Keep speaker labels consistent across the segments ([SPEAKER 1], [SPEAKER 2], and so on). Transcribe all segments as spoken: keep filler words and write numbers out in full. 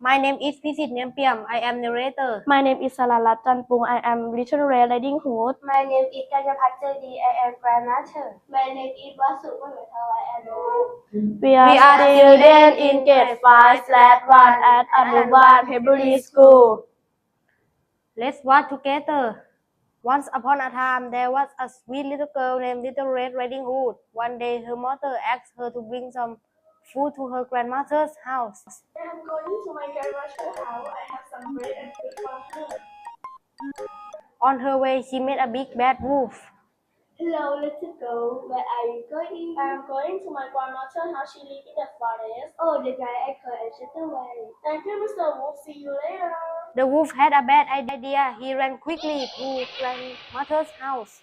[SPEAKER 1] My name is Pisit Niampiam. I am narrator.
[SPEAKER 2] My name is Saralat Chanpung. I am Little Red Riding Hood.
[SPEAKER 3] My name is Kanyapat Jodi. I am grandmother. My name is Vasu Pamathau. I am the
[SPEAKER 2] We are,
[SPEAKER 1] We are
[SPEAKER 2] students in grade five slash one at Anuban Hebrew School.
[SPEAKER 1] Let's watch together. Once upon a time, there was a sweet little girl named Little Red Riding Hood. One day, her mother asked her to bring some food to her grandmother's house.
[SPEAKER 3] I am going to my grandmother's house. I have some bread and food for her.
[SPEAKER 1] On her way, she met a big bad wolf.
[SPEAKER 3] Hello, little girl. Where are you going? I am going to my grandmother's house. She lives in the forest. Oh, the guy I call and shut away. Thank you, Mister Wolf. See you later.
[SPEAKER 1] The wolf had a bad idea. He ran quickly to grandmother's house.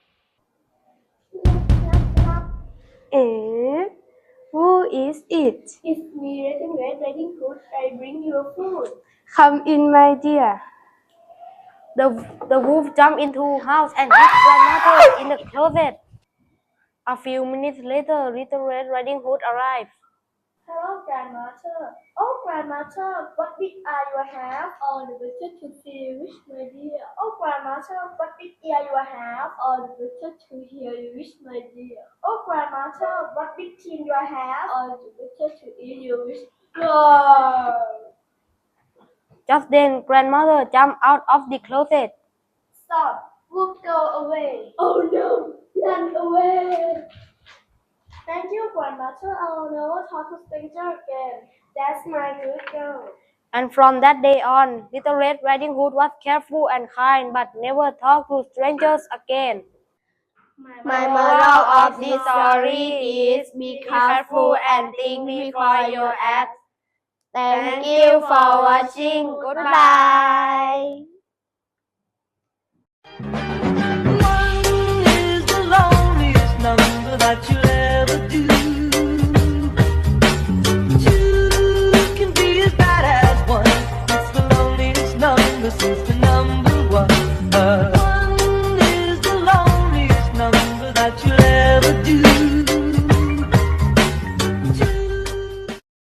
[SPEAKER 2] Eh? Who is it?
[SPEAKER 3] It's me, Red Red Riding Hood. I bring you food.
[SPEAKER 2] Come in, my dear.
[SPEAKER 1] The, the wolf jumped into the house and hid grandmother in the closet. A few minutes later, Little Red Riding Hood arrived.
[SPEAKER 3] Hello, grandmother. Oh, grandmother, what big eye you have? Oh, the butcher to see which, my dear. Oh, grandmother, what big ear you have? Oh, the butcher to hear you wish, my dear. Oh, grandmother, what big chin you have? Oh, the butcher to eat you wish. No.
[SPEAKER 1] Just then, grandmother jumped out of the closet.
[SPEAKER 3] Stop. Wolf, go away. Oh, no. Run away. Thank you, grandmother. I'll never talk to stranger again. That's my good girl.
[SPEAKER 1] And from that day on, Little Red Riding Hood was careful and kind, but never talked to strangers again.
[SPEAKER 2] My moral of this story is be careful and think before you act. Thank you for watching. Goodbye.
[SPEAKER 4] One is the loneliest number that you'll